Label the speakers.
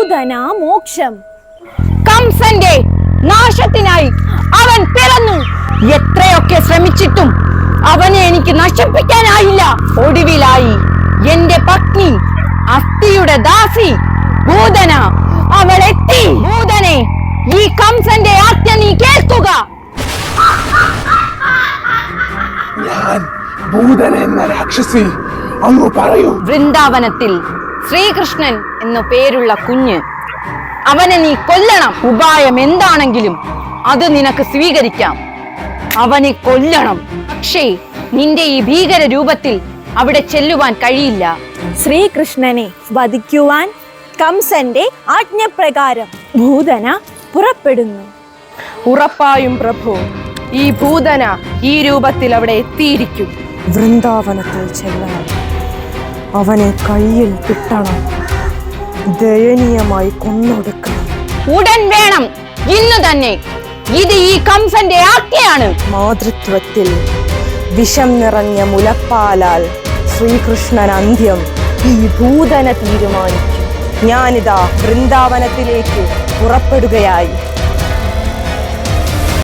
Speaker 1: ഭൂതന മോക്ഷം.
Speaker 2: കംസന്റെ നാശത്തിനായി അവൻ പിറന്നു. എത്രയൊക്കെ ശ്രമിച്ചിട്ടും അവനെ എനിക്ക് നശിപ്പിക്കാനായില്ല. ഒടുവിലായി എന്റെ പത്നി അസ്ഥിയുടെ ദാസി ഭൂതന അവൾ എത്തി. ഭൂതനെ, ഈ കംസന്റെ ആജ്ഞ നീ കേൾക്കുക.
Speaker 3: ഞാൻ ഭൂതന എന്ന രാക്ഷസി, അങ്ങ് പറയൂ.
Speaker 2: വൃന്ദാവനത്തിൽ ശ്രീകൃഷ്ണൻ എന്നു പേരുള്ള കുഞ്ഞ്, അവനെ നീ കൊല്ലണം. ഉപായം എന്താണെങ്കിലും അത് നിനക്ക് സ്വീകരിക്കാം. അവനെ കൊല്ലണം. പക്ഷേ നിന്റെ ഈ ഭീകര രൂപത്തിൽ അവിടെ ചെല്ലുവാൻ കഴിയില്ല.
Speaker 1: ശ്രീകൃഷ്ണനെ വധിക്കുവാൻ കംസന്റെ ആജ്ഞപ്രകാരം ഭൂതന പുറപ്പെടുന്നു.
Speaker 4: ഉറപ്പായും പ്രഭു, ഈ ഭൂതന ഈ രൂപത്തിൽ അവിടെ എത്തിയിരിക്കും.
Speaker 5: വൃന്ദാവനത്തിൽ ചെല്ലാൻ അവനെ കയ്യിൽ കിട്ടണം. ദയനീയമായി കൊന്നൊടുക്കണം.
Speaker 2: ഉടൻ വേണം, ഇന്ന് തന്നെ. ഇത് ഈ കംസന്റെ ആജ്ഞയാണ്.
Speaker 5: മാതൃത്വത്തിൽ വിഷം നിറഞ്ഞ മുലപ്പാലാൽ ശ്രീകൃഷ്ണൻ അന്ത്യം ഈ ഭൂതന തീരുമാനിക്കും. ഞാനിതാ വൃന്ദാവനത്തിലേക്ക് പുറപ്പെടുകയായി.